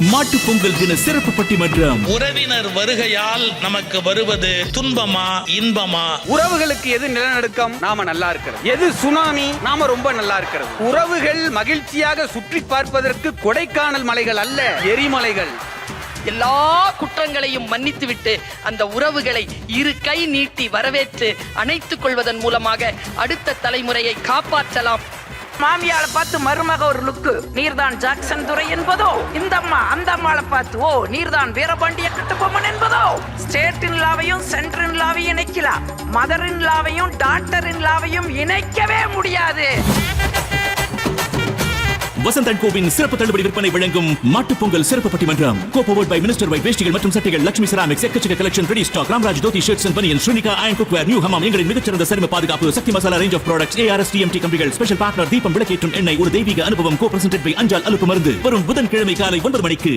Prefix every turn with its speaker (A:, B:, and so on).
A: மாட்டு பொங்கல் தின சிறப்பு பட்டிமன்றம்.
B: உறவினர் வருகையால் நமக்கு வருவது துன்பமா இன்பமா?
C: உறவுகளுக்கு எது நிலநடுக்கம்? நாம நல்லா இருக்கிறது. எது சுனாமி? நாம ரொம்ப நல்லா இருக்கிறது. உறவுகள் மகிழ்ச்சியாக சுற்றி பார்ப்பதற்கு கொடைக்கானல் மலைகள் அல்ல, எரிமலைகள்.
D: எல்லா குற்றங்களையும் மன்னித்துவிட்டு அந்த உறவுகளை இரு கை நீட்டி வரவேற்று அணைத்துக் கொள்வதன் மூலமாக அடுத்த தலைமுறையை காப்பாற்றலாம்.
E: மாமியால பார்த்து மருமக ஒரு லுக்கு, நீர்தான் ஜாக்சன் துரை என்பதோ, இந்த அம்மா அந்த அம்மாளை பார்த்து ஓ நீர்தான் வீரபாண்டிய கட்டுப்பொம்மன் என்பதோ. ஸ்டேட் இன் லாவையும் சென்டர் இன் லாவையும் இணைக்கலாம், மதர் இன் லாவையும் டாக்டர் இன் லாவையும் இணைக்கவே முடியாது.
A: வசந்த் அண்ட் கோவின் சிறப்பு தள்ளுபடி விற்பனை வழங்கும் மாட்டுப் பொங்கல் சிறப்பு பட்டிமன்றம். கோபோவர்ட் பை மினிஸ்டர் வைட் வேஷ்டிகள் மற்றும் சட்டைகள், லட்சுமி செராமிக்ஸ், எக்கச்சக்க collection, ready stock, Ramraj dhoti shirts and banian, Srinika iron cookware, new Hamam, எங்களின் மிகச்சிறந்த சரும பாதுகாப்பு, Sakthi masala range of products, ARS TMT கம்பிகள், ஸ்பெஷல் பார்ட்னர் தீபம் விளக்கேற்றும் எண்ணெய், ஒரு தெய்வீக அனுபவம், கோ பிரசன்டட் பை அஞ்சால் அலுப்பு மருந்து. வரும் புதன்கிழமை காலை 9 மணிக்கு